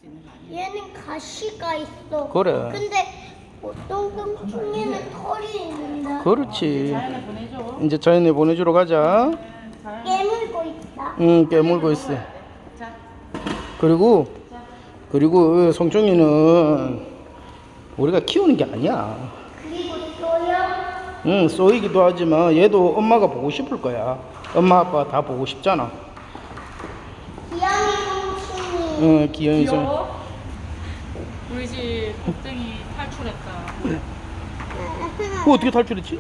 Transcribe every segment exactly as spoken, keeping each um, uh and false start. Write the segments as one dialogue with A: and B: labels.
A: 수 있는 거 아니야?
B: 얘는 가시가 있어.
C: 그래.
B: 근데 보통 똥충이는 털이 있는데.
C: 그렇지.
A: 자연에 보내줘.
C: 이제 자연에 보내주러 가자.
A: 자연.
B: 깨물고 있다.
C: 응, 깨물고 있어.
A: 자,
C: 그리고 그리고 송충이는 우리가 키우는 게 아니야.
B: 그리고 또요.
C: 응, 쏘이기도 하지만 얘도 엄마가 보고 싶을 거야. 엄마 아빠 다 보고 싶잖아.
B: 기영이 똥충이.
C: 응, 기영이 송.
A: 귀여워. 우리 집 겁쟁이 탈출했다.
C: 어, 어떻게 탈출했지?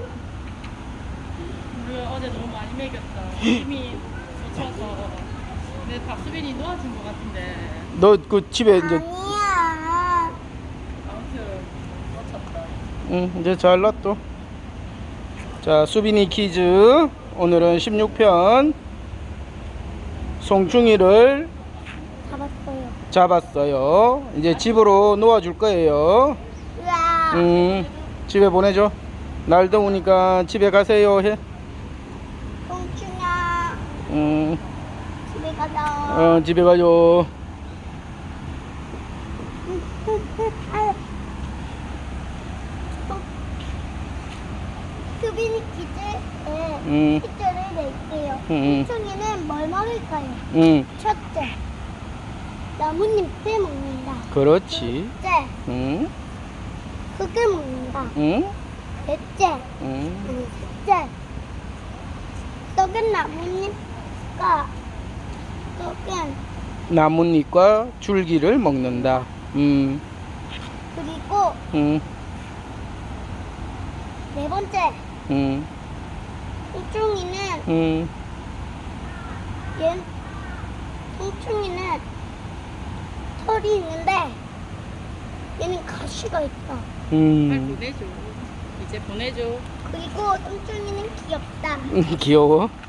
A: 우리 어제 너무 많이 먹였다. 힘이 젖혀서. 내 박수빈이 놓아준 것 같은데.
C: 너 그 집에 이제
B: 아니야.
A: 아무튼 놓쳤다.
C: 응, 이제 잘 놨또. 자, 수빈이 퀴즈. 오늘은 십육 편 송충이를
B: 잡았어요.
C: 잡았어요. 이제 집으로 놓아줄 거예요.
B: 으아.
C: 음, 집에 보내줘. 날 더우니까 집에 가세요 해.
B: 똥충아.
C: 음,
B: 집에 가자.
C: 어, 집에 가요.
B: 수빈이 퀴즈에
C: 음.
B: 퀴즈를 낼게요.
C: 음.
B: 똥충이는 뭘 먹을까요?
C: 응,
B: 첫째, 나뭇잎을 먹는다.
C: 그렇지.
B: 둘째,
C: 응,
B: 흙을 먹는다.
C: 응,
B: 넷째,
C: 응.
B: 아니 셋째, 썩은 나뭇잎과 썩은
C: 나뭇잎과 줄기를 먹는다. 음,
B: 그리고
C: 응,
B: 네 번째,
C: 응,
B: 똥충이는
C: 응.
B: 얘 똥충이는 털이 있는데 얘는 가시가 있다.
A: 빨리
C: 음,
A: 보내줘. 이제 보내줘.
B: 그리고 똥충이는 귀엽다.
C: 귀여워.